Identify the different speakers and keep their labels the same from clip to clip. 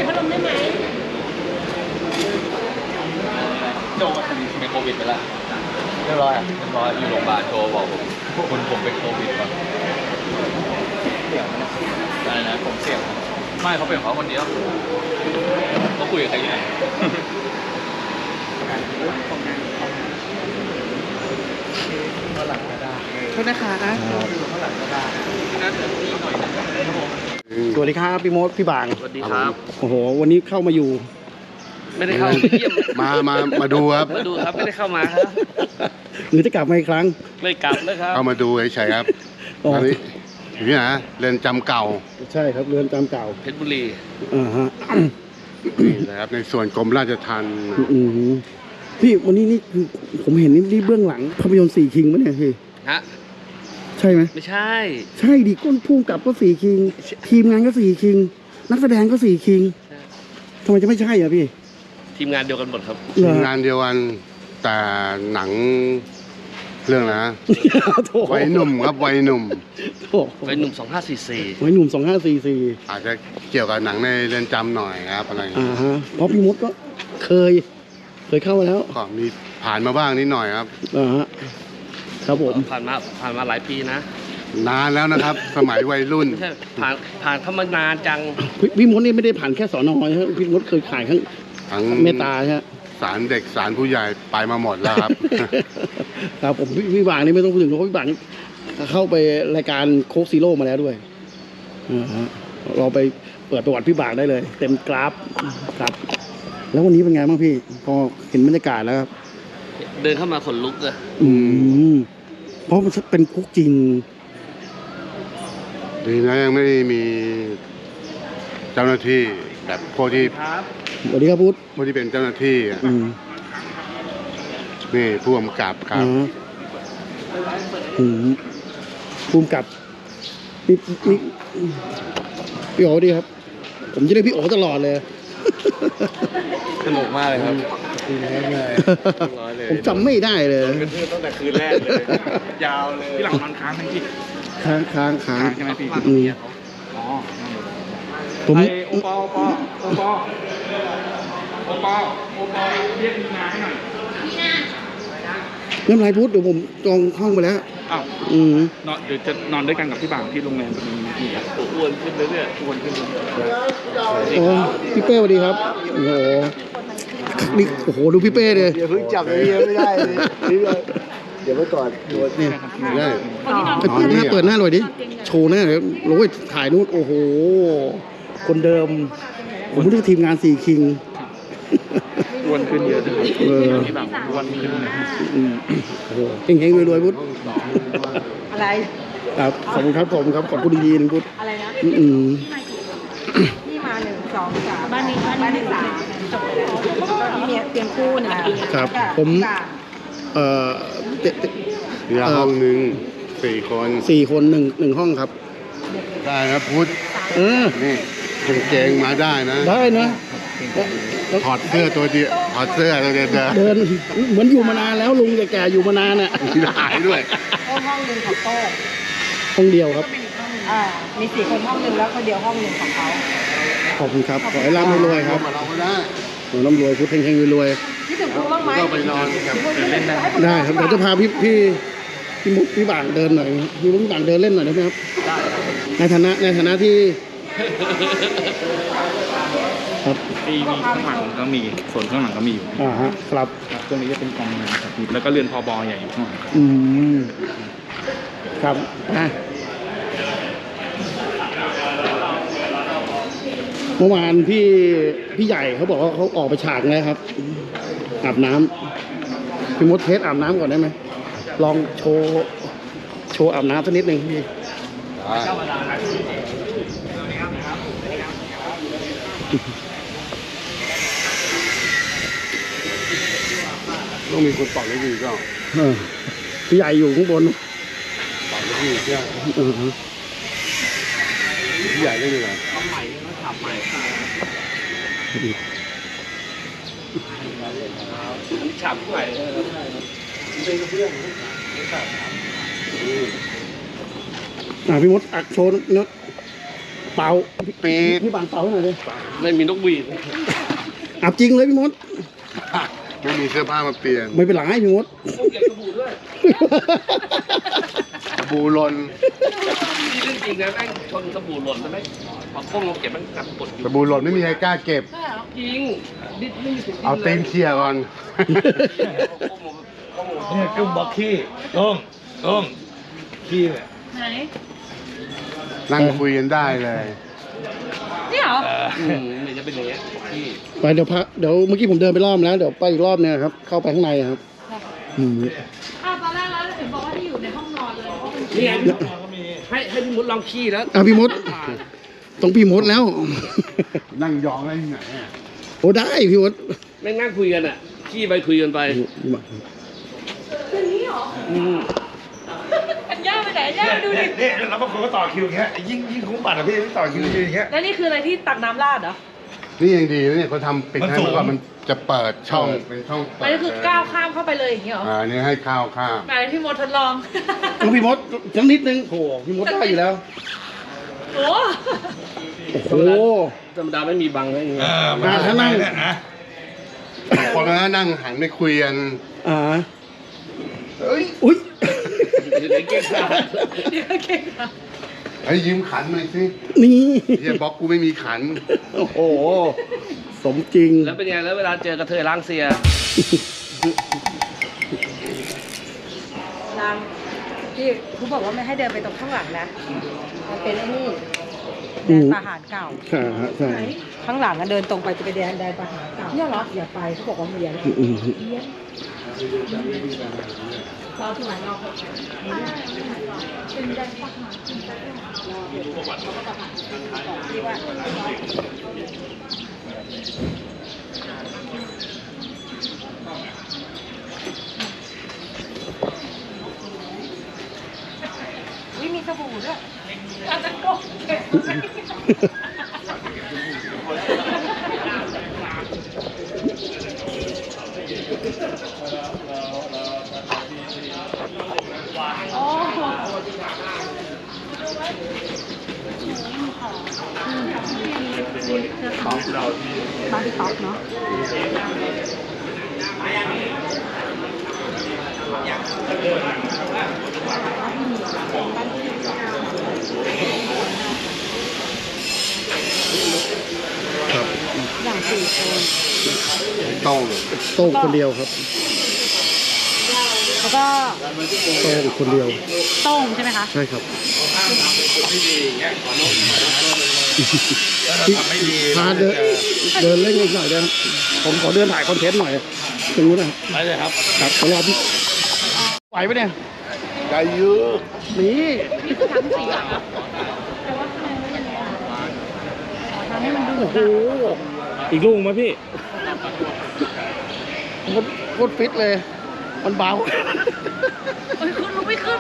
Speaker 1: ปิดพัดลมได้ไหม
Speaker 2: โจเป็นโควิดไปแล้วเรียบร้อยอยู่โรงพยาบาลโทรบอกผมเป็นโควิดก่อนเสี่ยงอะไรนะผมเสี่ยงไม่เขาเป็นของเขาคนเดียวเขาคุยกับใครอยู่ไหน
Speaker 3: โทษนะคะ
Speaker 4: สวัสดีครับพี่มดพี่บาง
Speaker 2: สวัสดีครับ
Speaker 4: โอ้โหวันนี้เข้ามาอยู่
Speaker 2: ไม่ได้เข้าเยี่ยม
Speaker 5: มาดูครับ
Speaker 2: มาดูครับไม่ได้เข้ามาครับ
Speaker 4: หรือจะกลับมาอีกครั้ง
Speaker 2: ไม่กลับเลยครับ
Speaker 5: เข้ามาดูเฉยๆครับ
Speaker 4: อ๋อ
Speaker 5: อันนี้อยู่ที่ไหนเรือนจำเก่า
Speaker 4: ใช่ครับเรือนจำเก่า
Speaker 2: เพชรบุรี
Speaker 4: ฮะ
Speaker 5: นี่นะครับในส่วนกรมราชทัณฑ์
Speaker 4: อืมพี่วันนี้นี่คือผมเห็นนี่เบื้องหลังภาพยนตร์4 คิงมั้ยเนี่ยพี่
Speaker 2: ฮะ
Speaker 4: ใช่ไหม
Speaker 2: ไม่ใช่
Speaker 4: ใช่ดิก้นพุ่งกับก็4 คิงทีมงานก็4 คิงนักแสดงก็4 คิงทำไมจะไม่ใช่อ่ะพี่
Speaker 2: ทีมงานเดียวกันหมดครับ
Speaker 4: เหรอ
Speaker 5: งานเดียวกันแต่หนังเรื่องนะ
Speaker 4: โถ
Speaker 5: วัยหนุ่มครับวัยหนุ่ม
Speaker 4: โถ
Speaker 2: เป็นหนุ่ม2544
Speaker 4: วัยหนุ่ม2544
Speaker 5: อาจจะเกี่ยวกับหนังในเรือนจำหน่อยครับอะไรอย่างเงี้ย
Speaker 4: ฮะเพราะพี่มดก็เคยเข้ามาแล้ว
Speaker 5: ก็มีผ่านมาบ้างนิดหน่อยครับ
Speaker 4: ฮะครับผม
Speaker 2: ผ่านมาหลายปีนะ
Speaker 5: นานแล้วนะครับ สมัยวัยรุ่น
Speaker 2: ไม่ใช่ผ่านเข้ามานานจัง
Speaker 4: พี่มดนี่ไม่ได้ผ่านแค่สอนอใช่ไหมพี่มดเคยขายข้าง
Speaker 5: ทั้ง
Speaker 4: เมตตาใช่ไหม
Speaker 5: ศาลเด็กศาลผู้ใหญ่ไปมาหมดแล้วครับ
Speaker 4: ครับผมพี่บางนี่ไม่ต้องพูดถึงเพราะพี่บางนี่เข้าไปรายการโคกซีโร่มาแล้วด้วยฮะเราไปเปิดประวัติพี่บางได้เลย เต็มกราฟครับ แล้ววันนี้เป็นไงบ้างพี่พอเห็นบรรยากาศแล้วครับ
Speaker 2: เดินเข้ามาขนลุกเลย
Speaker 4: เพราะมันเป็นคุกจริง
Speaker 5: ดีนะยังไม่ได้มีเจ้าหน้าที่แบบพวกที่
Speaker 4: สวัสดีครับพุทธ
Speaker 5: พวกที่เป็นเจ้าหน้าที่อะ นี่ผู้กำกับครับ
Speaker 4: ภูมิกับนี่พี่โอ๋ดีครับ ผมจะได้พี่โอ๋ตลอดเลย
Speaker 2: สนุกมากเลยครับ
Speaker 4: ผมจำไม่ได้เลย
Speaker 2: เป็นเพื่อนตั้งแต่คืนแรกเลย ยาวเลย
Speaker 3: พี่หลังนอนค้างทั้งที่
Speaker 4: ค้าง
Speaker 3: ใช่ไหมพี่
Speaker 4: อืม
Speaker 3: อ๋อ
Speaker 4: ผม
Speaker 3: ไอโอปอเรียกมีนาให้หน่อย
Speaker 4: ไม่เป็นไรพุทธเดี๋ยวผมจองห้องไปแล้ว
Speaker 3: อ้าว
Speaker 4: อืม
Speaker 3: นอนเดี๋ยวจะนอนด้วยกันกับพี่บางที่โรงแรมตรงนี้พี่
Speaker 2: ตัวอ้วนขึ้นเรื่อย
Speaker 3: ชวนขึ้น
Speaker 4: โอ้พี่เป้สวัสดีครับ โอ้โหนี่โอ้โหดูพี่เป้เลย
Speaker 6: อย่าเพิ่งจับเลยไม่ได้เลยเดี๋ยวไว้ก่อน
Speaker 4: เนี่ย
Speaker 5: ได้
Speaker 4: เปิดหน้าหน่อยดิ โชว์หน้าเลยโอ้ยถ่ายนู่นโอ้โห คนเดิม ผมไม่รู้ทีมงาน4 คิง
Speaker 3: อ้วนขึ้นเยอะเลย
Speaker 4: เออ
Speaker 3: พี่บางอ้วนขึ้น
Speaker 4: โอ้โหเฮงๆรวยๆพุทธ
Speaker 1: อะไร
Speaker 4: ครับขอบคุณครับขอบคุณดีๆนะพุทธ
Speaker 1: อะไรนะ
Speaker 4: อืม
Speaker 1: นี่มา1 2 3บ้านนี้3จบไปแล้วพี่เมียเตรียมคู่นะครับ
Speaker 4: ผม เอ่อ
Speaker 5: เหลือห้องหนึ่ง4 คน
Speaker 4: 4 คนหนึ่งห้องครับ
Speaker 5: ได้นะพุทธ
Speaker 4: เออ
Speaker 5: นี่กางเกงมาได้นะ
Speaker 4: ได้นะ
Speaker 5: ถอดเสื้อตัวเดียวถอดเสื้อตัวเดียวเดิน
Speaker 4: เดินเหมือนอยู่มานานแล้วลุงแก่ๆอยู่มานานน่ะ
Speaker 5: มีหายด้วย
Speaker 1: ห้องหนึ่งของโต้
Speaker 4: ห้องเดียวครับ
Speaker 1: มี4 คนห้องหนึ่งแล้วคนเดียวห้องหนึ่งของเขา
Speaker 4: ขอบคุณครับ ขอให้ร่ำให้รวยครับ
Speaker 5: มาเราก็ได้
Speaker 4: ขอให้ร่ำรวยพุทธเฮงๆรวย
Speaker 1: คิดถึงคุณบ้างไหม
Speaker 5: ก็ไปนอนกับ
Speaker 3: เล่นได้
Speaker 4: ๆได้ครับเดี๋ยวจะพาพี่มุกพี่บางเดินหน่อยพี่มุกพี่บางเดินเล่นหน่อยได้ไหมครับในฐานะที่ครับ
Speaker 3: มีข้างหลังก็มีส่วนข้างหลังก็มีอยู่
Speaker 4: ฮะครับ
Speaker 3: ตรงนี้จะเป็นกองงานครับพี่แล้วก็เรือนพบใหญ่อยู่ข้างหลังครับ
Speaker 4: อืมครับเมื่อวานพี่ใหญ่เขาบอกว่าเขาออกไปฉากแล้วครับ อาบน้ำพี่มดเทสอาบน้ำก่อนได้ไหมลองโชว์อาบน้ำสักนิดหนึ่งพี่
Speaker 5: ต้องมีคนเป่าลูกหวีดก็
Speaker 4: พี่ใหญ่อยู่ข้างบน
Speaker 5: เป่าลูกหวีดใช่ไหม
Speaker 4: ฮะ
Speaker 5: พี่ใหญ่ได้ยังไง
Speaker 2: ฉาบใหม่
Speaker 4: พี่มดอักโชว์เนื้อเป่า
Speaker 5: ปีด
Speaker 4: พี่บางเป่าให้หน่อยดิ
Speaker 3: ไม่มีนกหวีด
Speaker 4: อาบจริงเลยพี่มด
Speaker 5: ไม่มีเสื้อผ้ามาเปลี่ยน
Speaker 4: ไม่เป็นไรพี่มด
Speaker 3: เก็บสบู่ด้วย
Speaker 5: บูหลน
Speaker 3: นี่เรื่องจริงนะแม่งชนสบู่หล่นแล้วแม่งพอก้มลงเก็บมันกลับกดอยู่
Speaker 5: บูหลนไม่มีใครกล้าเก็บ
Speaker 3: จริงดิ้นไม่มีสิทธิ์
Speaker 5: เอาตีนเคลียร์ก่อน
Speaker 7: เนี่ยกุ้งบอกขี้ต้มขี้เนี่ย
Speaker 1: ไหน
Speaker 5: นั่งคุยกันได้เลย
Speaker 1: นี่เหรอ
Speaker 3: เนี่ยจะเป็นอย่างเงี้ยที่
Speaker 4: ไปเดี๋ยวพักเดี๋ยวเมื่อกี้ผมเดินไปรอบแล้วเดี๋ยวไปอีกรอบเนี่ยครับ เข้าไปข้างในครับอืม
Speaker 1: อ้าวตอนแรกแล้วเห็นบอกว่าที่อยู่ในห้องนอนเลยเพราะมัน
Speaker 3: นี่ไงให้พี่มดลองขี้แล้ว
Speaker 4: อ่ะพี่มดต้องพี่มดแล้ว
Speaker 5: นั่งยองได้ที่ไหนอะ
Speaker 4: โอ้ได้พี่มด
Speaker 3: แม่งนั่งคุยกันอ่ะขี้ไปคุยกันไป
Speaker 1: อันย่าไปไหนย่าดูดิ
Speaker 7: นี่แล้วบางคนก็ต่อคิวอย่างเงี้ยยิ่งคุ้มบัตรอะพี่ต่อคิวยืนอย่างเงี้ย
Speaker 1: แล้วนี่คืออะไรที่ตักน้ำราดเหรอ
Speaker 5: นี่ยังดีนะเนี่ยเขาทำปิดให้
Speaker 7: มันสูง
Speaker 5: เมื่อก่อนมันจะเปิดช่องเป็นช่องเปิ
Speaker 1: อันนี้คือก้าวข้ามเข้าไปเลยอย่างนี้เหรอ
Speaker 5: นี่ให้ข้าวข้าม
Speaker 1: ไหนพี่มดทดลอง
Speaker 4: ต้องพี่มดจังนิดนึงโหพี่มดได้อยู่แล้ว
Speaker 1: โอ้
Speaker 4: โอ้โห
Speaker 3: ธรรมดาไม่มีบังไม่มี
Speaker 4: มาถ้านั่ง
Speaker 7: เนี่ยนะ
Speaker 5: คนนั้นนั่งหันไปคุยกัน
Speaker 4: อ่า
Speaker 5: เฮ้ย
Speaker 4: อุ้ย
Speaker 3: เดี๋ยวเก่งขา
Speaker 1: เดี๋ยวเก่งค่ะ
Speaker 5: ไอ้ยืมขันหน่อยสิ
Speaker 4: นี่
Speaker 5: เฮียบล็อกกูไม่มีขัน
Speaker 4: โอ้โหสมจริง
Speaker 3: แล้วเป็นไงแล้วเวลาเจอกระเทยล้างเสีย
Speaker 1: นางพี่เขาบอกว่าไม่ให้เดินไปตรงข้างหลังนะ มันเป็นไอ้นี่แดนประหารเก่า
Speaker 4: ใช่ฮะใช่
Speaker 1: ข้างหลังอะเดินตรงไปจะไปแดนประหารเก่าเนี่ยเหรออย่าไปเขาบอกว่าเมียน
Speaker 4: อืม
Speaker 1: เราที่ไหนเราเป็นแดนประหารที่ว่ามีสบู่ด้วยอาจจะโกงเก็บโอ้โหบาร์บี้ท็อปเนาะ
Speaker 4: ครับ
Speaker 1: อย่างสี่คน
Speaker 5: ต้อง
Speaker 4: โต้งคนเดียวครับ
Speaker 1: แล้วก็
Speaker 4: โต้งคนเดียว
Speaker 1: โต้งใช่ไหมคะ
Speaker 4: ใช่ครับพาเดินเล่นอีกหน่อยได้ไหมผมขอเดินถ่ายคอนเทนต์หน่อยตรงนู้นนะครับ
Speaker 3: ไปเลยครับ
Speaker 4: ครับขอรอพี่ไหวปะเนี่ย
Speaker 5: ได้เยอะ
Speaker 4: นี่
Speaker 1: ทั้งสี่หลังอะทำให้มันดู
Speaker 4: โอ้โห
Speaker 3: อีกลูกไหมพี่
Speaker 4: มันโคตรฟิตเลย มันเบา
Speaker 1: เอ้ยขึ้นรู้ไม่ขึ้น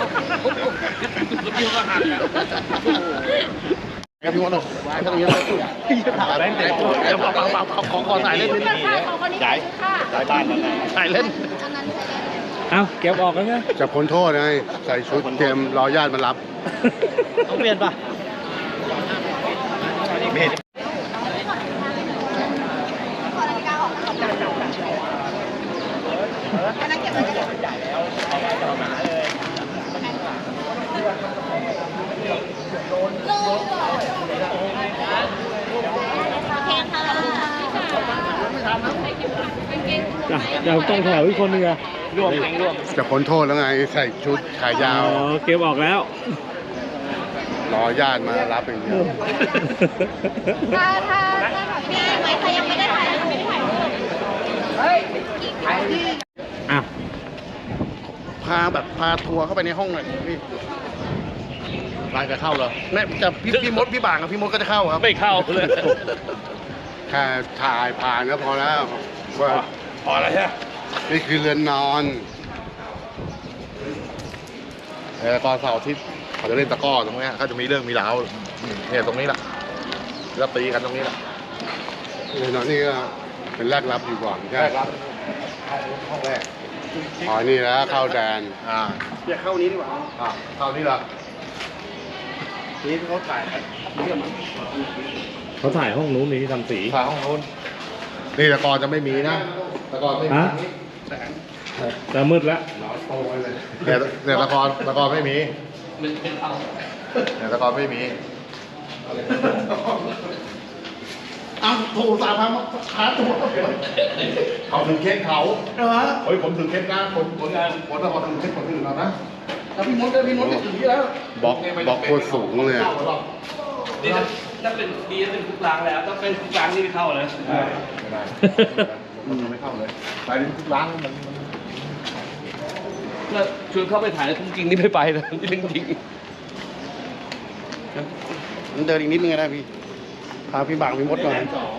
Speaker 4: ครับพี่มดเลยตรงนี้เลยถ่ายเล่นเดี๋ยวขอถ่ายเล่นนิดนึง
Speaker 7: ย้ายบ้านแล้วไง
Speaker 4: ถ่ายเล่น
Speaker 3: เอาเก็บออกแล้วไง
Speaker 5: จะพ้นโทษไงใส่ชุดเตรียมรอญาติมารับ
Speaker 4: ต้องเปลี่ยนป่ะ
Speaker 7: ไม่เห็น
Speaker 3: เดี๋ยวต้องแถวอีกคนนึงอะร่วมร่วม
Speaker 5: จะพ้นโทษแล้วไงใส่ชุดขายาว
Speaker 3: เก็บออกแล้ว
Speaker 5: รอญาติมารับอย่างเดียว
Speaker 8: ถ้ามีไหมใครยังไม่ได้ถ่ายรูป
Speaker 3: อ่ะ
Speaker 4: พาแบบพาทัวร์เข้าไปในห้องหน่อยพี่
Speaker 5: ร้านจะเข้าเหรอ
Speaker 4: เนี่ยจะพี่มดพี่บางกับพี่มดก็จะเข้าครับ
Speaker 3: ไม่เข้าเลย
Speaker 5: แค่ถ่ายผ่านก็พอแล้วว่า
Speaker 7: พอแล้วใช่ไหม
Speaker 5: นี่คือเรือนนอนตอนเสาร์อาทิตย์เขาจะเล่นตะกร้อตรงเนี้ยเขาจะมีเรื่องมีราวเนี่ยตรงนี้แหละแล้วตีกันตรงนี้แหละเรือนนอนนี่ก็เป็นแรกรับอยู่ก่อนใช่ครับห้องแรกอ๋อนี่แล้วเข้าแดน
Speaker 4: อยากเข้านี้ดีกว่า
Speaker 5: เข้านี่เหรอ
Speaker 4: นี่เขาถ่าย
Speaker 7: เขาถ่ายห้องนู้นนี่ที่ทำสี
Speaker 5: ฝาห้องโน้นนี่แต่ก่อนจะไม่มีนะแต่ก่อนไม่มี
Speaker 7: ฮะแต่มืดแล้ว
Speaker 5: เนี่ยแต่ก่อนไม่มีเนี่ยแต่ก่อนไม่มี
Speaker 4: เอาโทรสามพันชาร์จตัว
Speaker 5: เขาถือเคสเขา
Speaker 4: เออ
Speaker 5: เฮ้ยผมถือเคสนะคนงานคนละคนถือเคสคนอื่นเรานะ
Speaker 4: แล้วพี่มดไม่ถึงที่แล้ว
Speaker 5: บล็อกโคตรสูงเลย
Speaker 3: นี่ถ้าเป็นดีจะเป็นทุกล้างแล้วถ้าเป็นทุกล้างนี่ไม่เข้าเลย
Speaker 5: ไม่ได้มันไม่เข้าเลยไปถึงทุกร้านมัน
Speaker 3: แล้วชวนเข้าไปถ่ายแล้วจริงนี่ไม่ไปเลยจริงจริง
Speaker 4: เดินอีกนิดนึงนะพี่พาพี่บางพี่มดหน่อย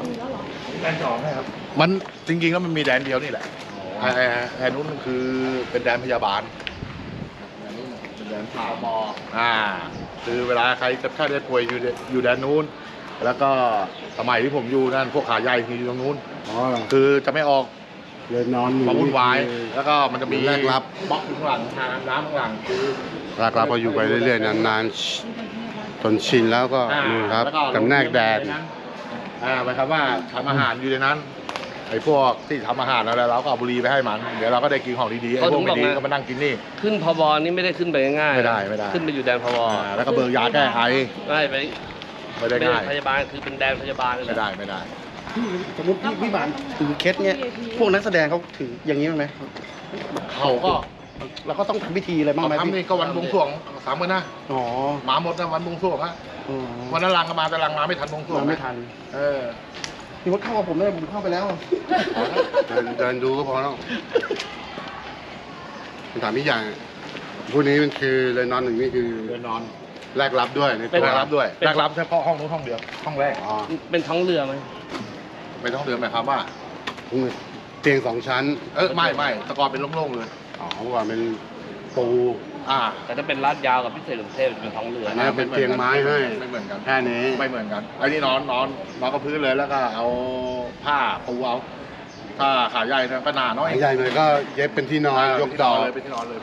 Speaker 5: มันจริงๆแล้วมันมีแดนเดียวนี่แหละไอ้นู้นคือเป็นแดนพยาบาลเป็นแดนพาบคือเวลาใครจะแค่ได้ป่วยอยู่แดนนู้นแล้วก็สมัยที่ผมอยู่นั่นพวกขาใหญ่คืออยู่ตรงนู้นคือจะไม่ออก
Speaker 6: เลยนอน
Speaker 5: มาวุ่นวายแล้วก็มันจะมี
Speaker 6: แรกรับบ
Speaker 5: ล็อกข้างหลังทางน้ำข้างหลังคือ
Speaker 6: แรกรับพออยู่ไปเรื่อยๆนานๆจนชินแล้วก็นี่ครับ
Speaker 5: แล้วก็
Speaker 6: จำแนกแดน
Speaker 5: หมายความว่าทำอาหารอยู่ในนั้นไอ้พวกที่ทำอาหารอะไรเราก็เอาบุหรี่ไปให้มันเดี๋ยวเราก็ได้กินของดีๆไอ้พวกไม่ดีก็มานั่งกินนี่
Speaker 3: ขึ้นพบนี่ไม่ได้ขึ้นไปง่ายๆ
Speaker 5: ไม่ได้
Speaker 3: ขึ้นไปอยู่แดนพบ
Speaker 5: แล้วก็เบิกยาแก้ไอ
Speaker 3: ไม่ไป
Speaker 5: ไม่ได้ง่าย
Speaker 3: พยาบาลคือเป็นแดนพยาบาลเลย
Speaker 5: ไม่ได้
Speaker 4: สมมติพี่บางถือเคสเนี้ยพวกนักแสดงเขาถืออย่างนี้ไหม
Speaker 5: เขาก็
Speaker 4: แล้วก็ต้องทำพิธีอะไรบ้างไหม
Speaker 5: ทำนี่ก็วันบวงสรวง3 วันนะ
Speaker 4: อ๋อ
Speaker 5: หมาหมดนะวันบวงสรวงอะวันนั้นลังก็มาแต่ลังมาไม่ทันบวงสรวง
Speaker 4: ไม่ทัน พี่มดเข้ากับผมเลยผมเข้าไปแล้ว
Speaker 6: เดินดูก็พอแล้วถามอีกอย่างพวกนี้มันคือเลยนอนหนึ่งนี่คือ
Speaker 5: เดินนอน
Speaker 6: แรกรับด้วยใน
Speaker 5: เป็น
Speaker 6: ตัว
Speaker 5: แรกรับด้วยแรกรับเฉพาะห้องนู้นห้องเดียวห้องแรก
Speaker 6: อ๋อ
Speaker 3: เป็นท้องเรือไหม
Speaker 5: ไม่ต้องเดินหมายความว่า
Speaker 6: เตียง2 ชั้น
Speaker 5: ไม่ตะกอนเป็นโล่งๆเลย
Speaker 6: อ๋อเมื่อวานเป็นปู
Speaker 3: แต่ถ้าเป็นลาดยาวกับพิเศษกรุงเทพจะเป็นท้องเรือ
Speaker 6: อันนี้เป็นเตียงไม้ให้
Speaker 5: ไม่เหมือนกัน
Speaker 6: แค่นี้
Speaker 5: ไม่เหมือนกันไอ้นี่นอนกับพื้นเลยแล้วก็เอาผ้าปูเอาถ้าขาใหญ่เนี่ยก็หนาน้อย
Speaker 6: ใหญ่หน่อยก็เย็บเป็นที่นอนยกดอก
Speaker 5: เป็นที่นอนเลย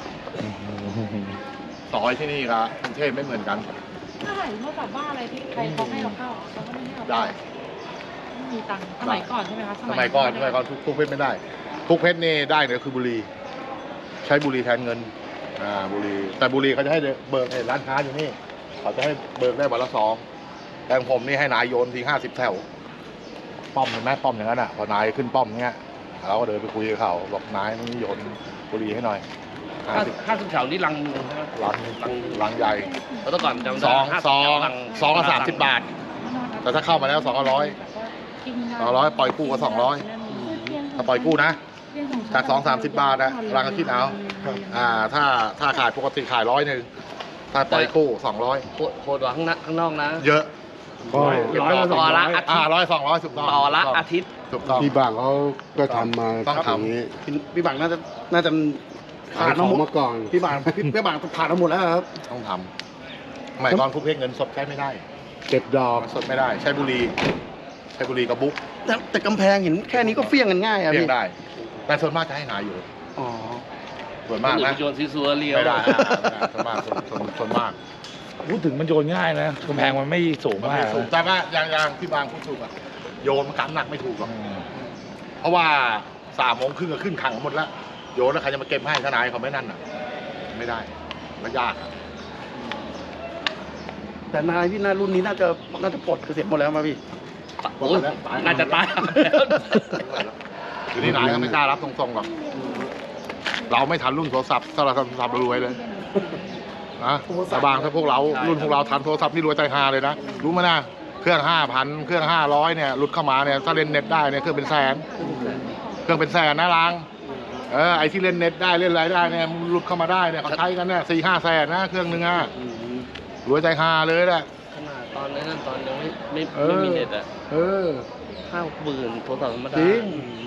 Speaker 5: ซอยที่นี่ครับกรุงเทพไม่เหมือนกัน
Speaker 1: ถ้าถ่ายเมื่อกลับบ้านอะไรที่ใครเขาให้เราเข้าเขาก็ไม่ให้เรา
Speaker 5: ได้
Speaker 1: ไม่มีตังค์สมัยก่อนใช่ไหมคะ
Speaker 5: สมัยก่อนทุกเพชรไม่ได้ ทุกเพชรนี่ได้เนี่ยคือบุหรี่ใช้บุหรี่แทนเงินบุหรี่แต่บุหรี่เขาจะให้เบิกร้านค้าอยู่นี่เขาจะให้เบิกได้วันละ2แต่ของผมนี่ให้นายโยนที50 แถวป้อมเห็นไหมป้อมอย่างนั้นอ่ะพอนายขึ้นป้อมเงี้ยเราก็เดินไปคุยกับเขาบอกนายนี่โยนบุหรี่ให้หน่อย
Speaker 3: ค่าสุดแถวนี่ลังนึงใช่ไหม
Speaker 5: ลังใหญ่
Speaker 3: แล้วแต่ก่อนจำได้
Speaker 5: ซองละ30 บาท แต่ถ้าเข้ามาแล้ว200ปล่อยกู้ก็200ถ้าปล่อยกู้นะจาก30 บาทนะรังก็คิดเอาถ้าขายปกติขาย100ถ้าปล่อยกู้200
Speaker 3: โคตรว่าข้างนอกนะ
Speaker 5: เยอะ
Speaker 3: ต่อละอาทิตย์
Speaker 5: 100 200ถูกต้อง
Speaker 3: ต่อละอาทิตย์
Speaker 5: ถูกต้อง
Speaker 6: พี่บางเขาก็ทำมา
Speaker 5: ต้องทำ
Speaker 6: อย่างนี้
Speaker 4: พี่บางน่าจะ
Speaker 6: ขายของมาก่อน
Speaker 4: พี่บางผ่านมาหมดแล้วครับ
Speaker 5: ต้องทำสมัยก่อนคุกเพชรเงินสดใช้ไม่ได้
Speaker 6: เก็บดอก
Speaker 5: สดไม่ได้ใช้บุหรี่กับบุ๊ก
Speaker 4: แต่กำแพงเห็นแค่นี้ก็เฟี้ยงกันง่ายอะ
Speaker 5: เรีย
Speaker 4: พี่
Speaker 5: กได้ แต่ส่วนมากจะให้นายอยู่
Speaker 4: อ๋อ
Speaker 5: ส่วนมากนะ
Speaker 3: โยนซีซัวเรียว
Speaker 5: ไม่ได้ส่วนมากส่วนมาก
Speaker 7: พูดถึงมันโยนง่ายนะกำแพงมันไม่สูง
Speaker 5: มัน
Speaker 7: มาก
Speaker 5: ไม่สูงแต่ว่าอย่างที่บางพูดถูกอะโยนมันกำหนักไม่ถูกหรอกเพราะว่า3 โมงครึ่งก็ขึ้นขังหมดแล้วโยนแล้วใครจะมาเก็บให้ทนายเขาไม่นั่นอ่ะ ไม่ได้มันยากอะ
Speaker 4: แต่นายพี่น่ารุ่นนี้น่าจะปลดเกษียณหมดแล้วมาพี่
Speaker 3: โอ้ยน่าจะตายแล้ว
Speaker 5: คือที่นายเขาไม่กล้ารับตรงๆหรอกเราไม่ทันรุ่นโทรศัพท์ถ้าเราทันโทรศัพท์เรารวยเลยนะแต่บางถ้าพวกเรารุ่นพวกเราทันโทรศัพท์นี่รวยใจฮาเลยนะรู้ไหมนะเครื่อง 5,000 เครื่อง 500เนี่ยหลุดเข้ามาเนี่ยถ้าเล่นเน็ตได้เนี่ยเครื่องเป็นแสนเครื่องเป็นแสนนะล้างไอ้ที่เล่นเน็ตได้เล่นอะไรได้เนี่ยหลุดเข้ามาได้เนี่ยเขาใช้กันเนี่ย4-5 แสนนะเครื่องนึงอ่ะรวยใจฮาเลยแหละ
Speaker 3: ขนาดตอนนั้นตอนยังไม่มีเน็ตอ่ะ50,000โทรศัพท์ธรรมดา
Speaker 5: จริง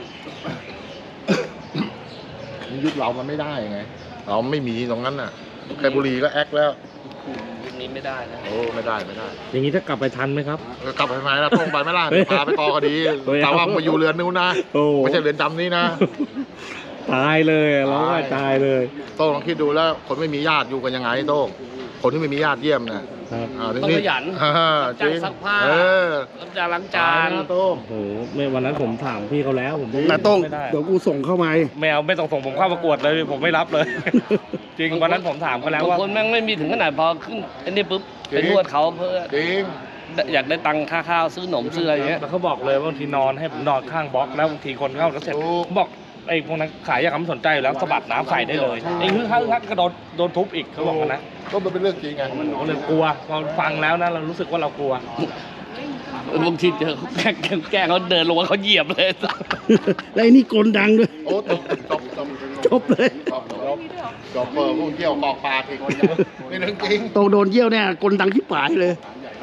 Speaker 5: ยุคเรามันไม่ได้ไงเราไม่มีตรงนั้นน่ะแค่บุหรี่ก็แอคแล้ว
Speaker 3: ยุคนี้ไม่ได้นะ
Speaker 5: โอ้ไม่ได้
Speaker 7: อย่างนี้ถ้ากลับไปทันไหมครับ
Speaker 5: กลับไปไหมล่ะตรงไปไหม่ล่ะพาไปกอคดีแต่ว่ามาอยู่เรือนนู้นนะ
Speaker 7: โอ้
Speaker 5: ไม่ใช่เรือนจำนี้นะ
Speaker 7: ตายเลยร้องไห้ตายเลย
Speaker 5: โต้งลองคิดดูแล้วคนไม่มีญาติอยู่กันยังไงโต้งคนที่ไม่มีญาติเยี่ยมเนี่ย
Speaker 6: ครับ
Speaker 3: ต้องขยัน รับจ้างซักผ้า รับจ้างล้างจาน
Speaker 4: โต้ง
Speaker 7: โอ้โหไม่วันนั้นผมถามพี่เขาแล้วผม
Speaker 4: นาโต้ง
Speaker 7: ไม่ได้
Speaker 4: เดี๋ยวกูส่งเข้ามา
Speaker 7: ไม่เอาไม่ส่งผมเข้าประกวดเลยผมไม่รับเลย จริงวันนั้นผมถามเขาแล้ว
Speaker 3: บาง
Speaker 7: ว่า
Speaker 3: คนแม่งไม่มีถึงขนาดพอขึ้นอันนี้ปุ๊บไปนวดเขาเพื่อ
Speaker 5: จริง
Speaker 3: อยากได้ตังค่าข้าวซื้อขนมซื้ออะไรอย่างเงี้ย
Speaker 7: แล้วเขาบอกเลยว่าบางทีนอนให้ผมนอนข้างบล็อกแล้วบางทีคนเข้าแล้วเสร็จผมบอกไอ้พวกนั้นขายยาคำสนใจอยู่แล้วสะบัดน้ำใส่ได้เลยไอ้ฮึ่งฮั่งก็โดนทุบอีกเขาบอกกันนะ
Speaker 5: ก็มันเป็นเรื่องจริงไง
Speaker 7: ผมเลยกลัวพอฟังแล้วนะเรารู้สึกว่าเรากลัว
Speaker 3: บางทีเจอเขาแกล้งเขาเดินลงมาเขาเหยียบเลย
Speaker 4: แล้วไอ้นี่กลดังด้วย
Speaker 5: โอ้จบ
Speaker 4: จบเลย
Speaker 5: จบเปิดพวกเที่ยวกอกปลาอีกนี่เรื่องจริง
Speaker 4: โตโดนเยี่ยวเนี่ยกลดังที่ปลายเลย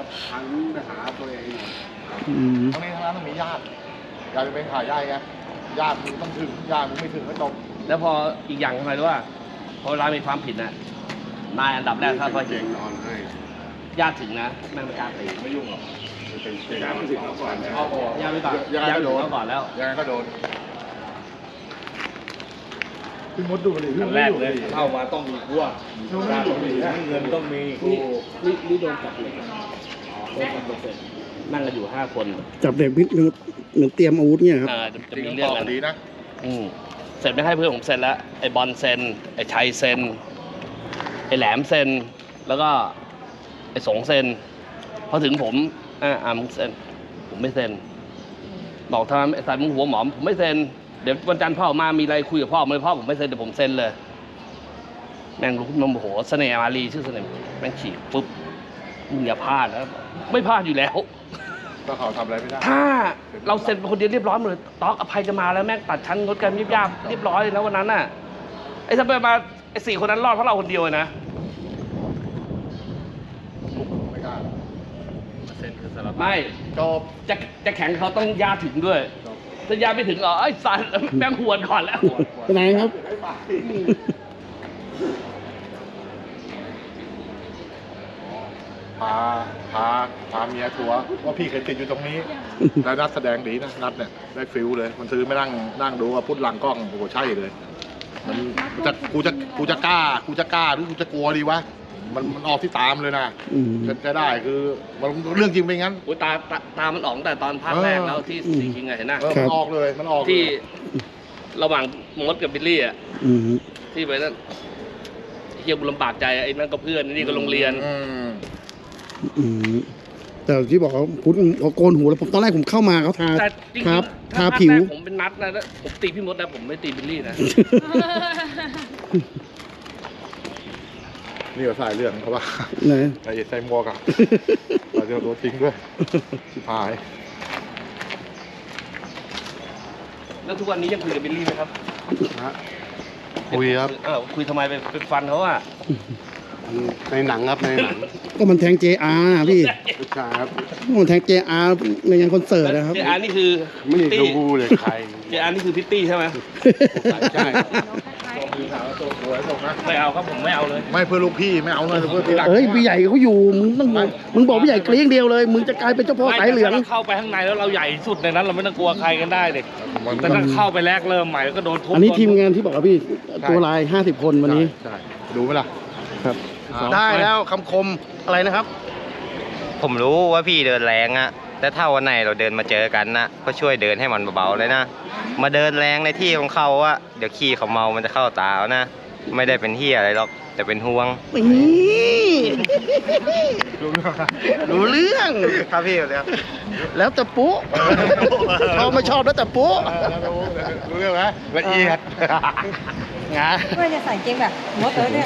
Speaker 4: อืม
Speaker 5: ทั้งนี้ทั้งนั้นต้องมีญาติจะเป็นขาใหญ่ไงญาติมึงต้องถึงญาติมึงไม่ถึงก็จบ
Speaker 3: แล้วพออีกอย่างทำไมรู้ว่าพอเวลามีความผิดน่ะนายอันดับแรกถ้าเขาเห็นญาติถึงนะแม่งไม่กล้าตีไม่ยุ่งหรอกญาติไม่ถึงเขาก่อนญาติไม่ก่อน
Speaker 5: ยังไง
Speaker 3: ญาติ
Speaker 5: ก็โดน
Speaker 3: เขาก่อนแล้ว
Speaker 5: ยังไงก็โดนพี่มดดูดิ
Speaker 7: อันแรกเลยเข้ามาต้องมีพวกต้องมีเงินต้องมี
Speaker 3: นี่โดนจับเลยโดนจับเสร็จนั่งกันอยู่5 คน
Speaker 4: จับเด็กพิษเหมือนเตรียมอาวุธเนี่ยครับ
Speaker 3: จะมีเรื่องกัน
Speaker 5: ดีนะ
Speaker 3: เสร็จไม่ให้เพื่อนผมเซ็นแล้วไอ้บอลเซ็นไอ้ชัยเซ็นไอ้แหลมเซ็นแล้วก็ไอ้สงเซ็นพอถึงผมมึงเซ็นผมไม่เซ็นบอกทำไมไอ้สายมึงหัวหมอมผมไม่เซ็นเดี๋ยววันจันทร์พ่อมามีอะไรคุยกับพ่อเลยพ่อผมไม่เซ็นเดี๋ยวผมเซ็นเลยแม่งรู้ขึ้นมาโมโหเสน่ห์มารีชื่อเสน่ห์แม่งฉีกปุ๊บมึงอย่าพลาดนะไม่พลาดอยู่แล้ว
Speaker 5: ก็เขาทำอะไรไม่ได้
Speaker 3: ถ้าเราเซ็นเป็นคนเดียวเรียบร้อยหมดเลยต๊อกอภัยจะมาแล้วแม่งตัดชั้นงดการยิบย่ำเรียบร้อยเลยนะวันนั้นน่ะไอ้ถ้าไปมาไอ้4 คนนั้นรอดเพราะเราคนเดียวเลยนะ
Speaker 5: ไม่กล้า
Speaker 7: เซ็นคือสารภาพ
Speaker 3: ไม่
Speaker 5: จบ
Speaker 3: จะแข่งเขาต้องยาถึงด้วยถ้ายาไม่ถึงไอ้สันแม่งหวนก่อนแล้ว
Speaker 4: เป็นไงครับ
Speaker 5: พาเมียทัวร์ว่าพี่เคยติดอยู่ตรงนี้ แล้วนัดแสดงดีนะนัดเนี่ยได้ฟิลเลย มันซื้อไม่นั่งดูว่าพุทธหลังกล้องโอ้โหใช่เลย มันกูจะกล้าหรือกูจะกลัวดีวะมันออกที่ตามเลยนะ
Speaker 4: อืม
Speaker 5: จะได้คือมันเรื่องจริงเป็นงั้น
Speaker 3: โอ้ยตามันออกตั้งแต่ตอนภาคแรกแล้วที่สีคิงไงเห็นนะ
Speaker 5: มันออกเลยมันออกเลย
Speaker 3: ที่ระหว่างมดกับบิลลี่อ่ะ
Speaker 4: อืม
Speaker 3: ที่ไปนั่นเฮียบุลำบากใจไอ้นั่นก็เพื่อนนี่ก็โรงเรียน
Speaker 4: อืมแต่ที่บอกเขาพุทธเขาโกนหัวแล้วผมตอนแรกผมเข้ามาเขาทา
Speaker 3: แต่จริง
Speaker 4: ครับ
Speaker 3: ๆ
Speaker 4: ทา
Speaker 3: ถ้าภาค
Speaker 4: ผิว
Speaker 3: แรกผมเป็นนัดนะแล้วผมตีพี่มดนะผมไม่ตีบิลลี่นะ
Speaker 5: นี่ก็สายเรื่องเขาว่า
Speaker 4: ไหน
Speaker 5: ใส่หมวกอะเราเจอตัวจริงด้วยชิบหาย
Speaker 3: แล้วทุกวันนี้ยังคุยกับบิลลี่ไหมครับ
Speaker 6: คุยครับ
Speaker 3: คุยทำไมไปฟันเขาอ่ะ
Speaker 6: ในหนังครับในหนัง
Speaker 4: ก็มันแทง JR นะพี่
Speaker 6: ใช่ครับ
Speaker 4: มันแทง JR ในงานคอนเสิร์ตนะครับ
Speaker 3: เจอานี่คือ
Speaker 6: ไม่ได้
Speaker 3: พิตตี้
Speaker 6: ดูเลยใคร
Speaker 3: เจอานี่คือพิตตี้ใช่ไหม
Speaker 6: ใช่
Speaker 7: ไม่เอาครับผมไม่เอาเลย
Speaker 5: ไม่เพื่อลูกพี่ไม่เอาเลยเพื่อที่รัก
Speaker 4: เอ้ยพี่ใหญ่เขาอยู่มึงบอกพี่ใหญ่เกลี้ยงเดียวเลย มึงจะกลายเป็นเจ้าพ่อสายเหลือง
Speaker 7: ไม่แต่ถ้าเราเข้าไปข้างในแล้วเราใหญ่สุดในนั้นเราไม่ต้องกลัวใครกันได้เด็กแต่ถ้าเข้าไปแรกเริ่มใหม่แล้วก็โดนทุบ
Speaker 4: อันนี้ทีมงานที่บอกว่าพี่ตัวลาย 50 คนวันนี้
Speaker 5: ใช่ดูไหมล่ะ
Speaker 4: ครับ ได้แล้วคำคมอะไรนะครับ
Speaker 9: ผมรู้ว่าพี่เดินแรงอะแต่ถ้าวันไหนเราเดินมาเจอกันนะก็ช่วยเดินให้มันเบาๆเลยนะ มาเดินแรงในที่ของเขาอะเดี๋ยวขี้เขาเมามันจะเข้าตาเอานะ ไม่ได้เป็นเฮียอะไรหรอกแต่เป็นห่วง
Speaker 4: นี่รู้เรื่อง
Speaker 9: ครับพี่เลยครับ
Speaker 4: แล้วแต่ปุ๊ชอบไม่ชอบแล้วแต่ปุ๊
Speaker 5: รู้เรื่องไหมละเอียด
Speaker 4: งา
Speaker 1: เพื่อนจะใส่เกงแบบมดเลยเนี่ย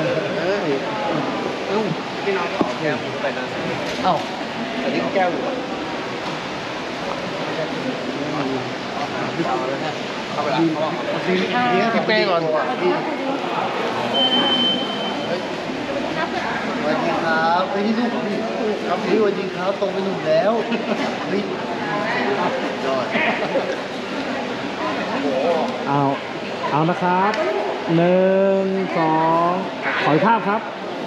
Speaker 3: พี่น้องก็ออกแก้วไปนะเอ้าอันนี้แก้วอยู่
Speaker 4: เนี่ยพี่เป้ก่อน
Speaker 9: สวัสดีครับไปที่ลูกพี่ครับพี่สวัสดีครับตรงไปหนุ่มแล้วนี่ยอด
Speaker 7: เอานะครับ1 2ขออีกภาพครับ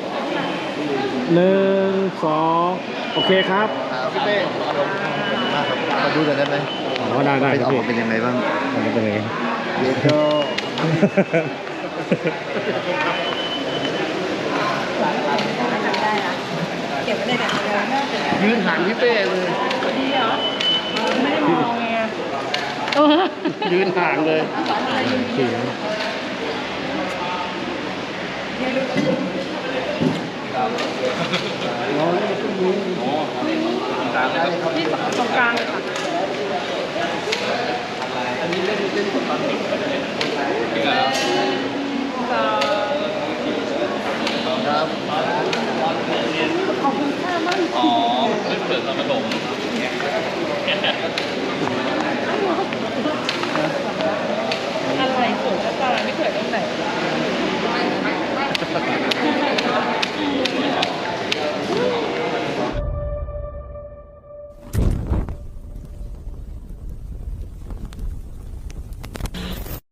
Speaker 7: 1 2โอเคครับ
Speaker 9: พี่เป้มาดูกันได้ไหม
Speaker 7: ได้
Speaker 9: ไป
Speaker 7: ค
Speaker 9: อ
Speaker 7: รั
Speaker 9: อบ กมาเป็นยังไงบ้าง
Speaker 7: มันเป็นยังไง
Speaker 9: เดี๋ยวก็
Speaker 1: จำได้นะเก
Speaker 4: ยืนห่างพี่เป้เลย
Speaker 1: ดีเหรอ ไม่ได้มองไง
Speaker 4: ยืนห่างเลย
Speaker 1: ที่ตรงกลางเลยค่ะ
Speaker 2: อ๋อเพื่อนเปิดตอนประถม
Speaker 1: อะไรสวยจะตายไม่เกิดตรงไหน